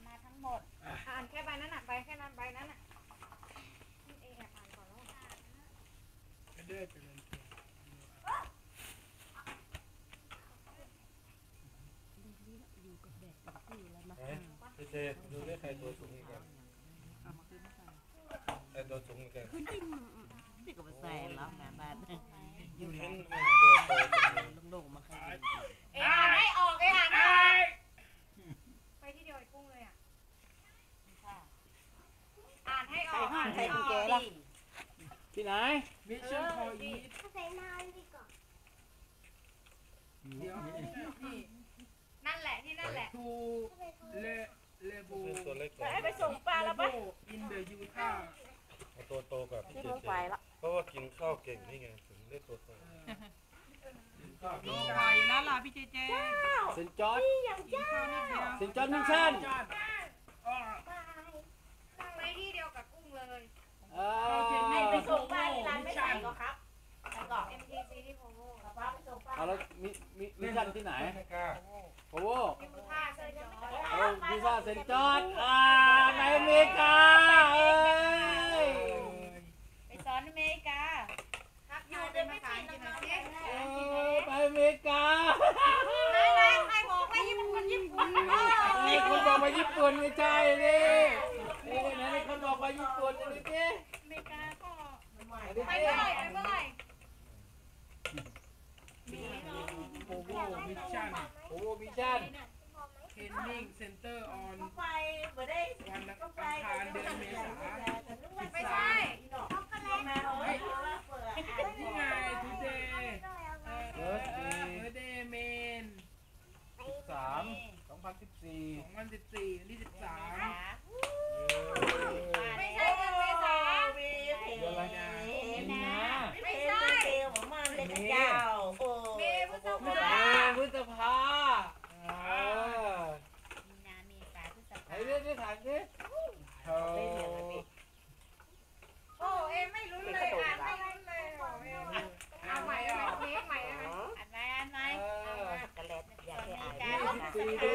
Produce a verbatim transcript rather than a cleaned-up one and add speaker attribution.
Speaker 1: มาทั้งหมดอ่านแค่ใบนั้นน่ะใบแค่นั้นใบนั้นน่ะนี่เองอ่านก่อนแล้ว
Speaker 2: ไม่ได้เป็น
Speaker 3: พี่เจดูได้ใครตัวสูงอีกกันใครตัวสูงอีกกัน
Speaker 4: นี่ก็มาใส่แล้วงานบ้านอยู่
Speaker 3: เห็
Speaker 4: แล้
Speaker 3: น
Speaker 4: ว
Speaker 3: ตัวโต
Speaker 4: ลงๆมาใคร
Speaker 1: เองอ่านให้ออกเองอ่านให้ออกไปที่เดียวไอ้กุ้งเลยอ่ะอ่านให้ออกอ่านให้ออก
Speaker 2: ที่ไหนมิชชั่นพออีท
Speaker 5: ใส่น้ำดีกว่า
Speaker 2: เดี๋ยวนี่
Speaker 1: นั่นแหละที่นั่นแหละ
Speaker 2: ทูเลเลโบ
Speaker 3: ตัวเล็กกว่า
Speaker 4: ไปส่งปลาแล้วปะ
Speaker 2: อินเดอะยูทา
Speaker 3: เอาตัวโตกับพี่
Speaker 4: ที่
Speaker 3: เจ
Speaker 4: เขา
Speaker 3: เจ
Speaker 4: ไปละ
Speaker 3: เพราะว่ากินข้าวเก่งนี่ไงถึงได้ตัวโต
Speaker 2: นี่
Speaker 6: ไปแล้วล่ะพี่เจเจ
Speaker 2: เซนจอร์ด
Speaker 6: กินข้าวนิดเดียว
Speaker 2: เซนจอร์ดมิชชั่น
Speaker 1: ไปที่เดียวกับกุ้งเลย
Speaker 2: เออ
Speaker 4: ไปส่งปลาที่ร้านไม่ใส่ก็ครับใส่ก่อน
Speaker 1: เอ็มทีซีที่โพโว
Speaker 4: ป้าไปส่งปลา
Speaker 2: เอาแล้วมิมิมิชชั่นที่ไหน
Speaker 3: ไม่กล้า
Speaker 2: โอ้โห
Speaker 1: ที่พุท่าเซอร์จอร์
Speaker 2: เออพิซซ่าเซนจอร์ดอ่าในอเมริกาเอ้ย
Speaker 4: ไปสอนอเมริกา
Speaker 1: ครับอยู่เดินไม่ผ่านกินหน่อยสิ
Speaker 2: เออไปอเมริกา
Speaker 1: ไหนไหนใครบอกว่าญี่ปุ่นญี่ปุ่น
Speaker 2: นี่คุณบอกมาญี่ปุ่นไม่ใช่นี่นี่นะนี่คนบอกมาญี่ปุ่นนี่สิ
Speaker 1: อเมริกาก็
Speaker 2: อันนี้
Speaker 1: ไป
Speaker 2: สิ
Speaker 1: เมื่อไหร่ไปเมื่อไหร่
Speaker 2: โอ้โหมิชชั่นโอ้โหมิชชั่น
Speaker 6: เทรนนิ่งเซ็นเตอร์ออน
Speaker 4: ไปบ่ได้
Speaker 6: วันอังคารเดือนเมษา
Speaker 1: ไม่ใช่
Speaker 6: ที่ไงทูเดย์เออเออเดย์เมน
Speaker 2: สามสองพันสิบสี่
Speaker 6: สองพันสิบสี่วันที่สิบสาม
Speaker 1: ไม่ใช่เดือนเมษา
Speaker 2: เดือนอะไรนะมีนา
Speaker 1: ไม่ใช่
Speaker 4: ผมมาเล่นเจ้าโอ้
Speaker 1: เมษพฤษ
Speaker 2: เอ
Speaker 1: ภา
Speaker 2: อพฤษภาเออ
Speaker 4: มีนาเมษาพฤษ
Speaker 2: ไอ้
Speaker 4: ภา
Speaker 2: เรื่องที่ถามสิโอ้
Speaker 1: โอ้เอ็มไม่รู้เลยอ่านไม่รู้เลยโอ้เอ็มเอาใหม่เอาใหม่เทคใหม่เอาใหม่
Speaker 4: อันไหนอันไหน
Speaker 2: เออ
Speaker 4: กระเล็ดอยากให้อ่าน
Speaker 2: ยี่สิบสี่เดื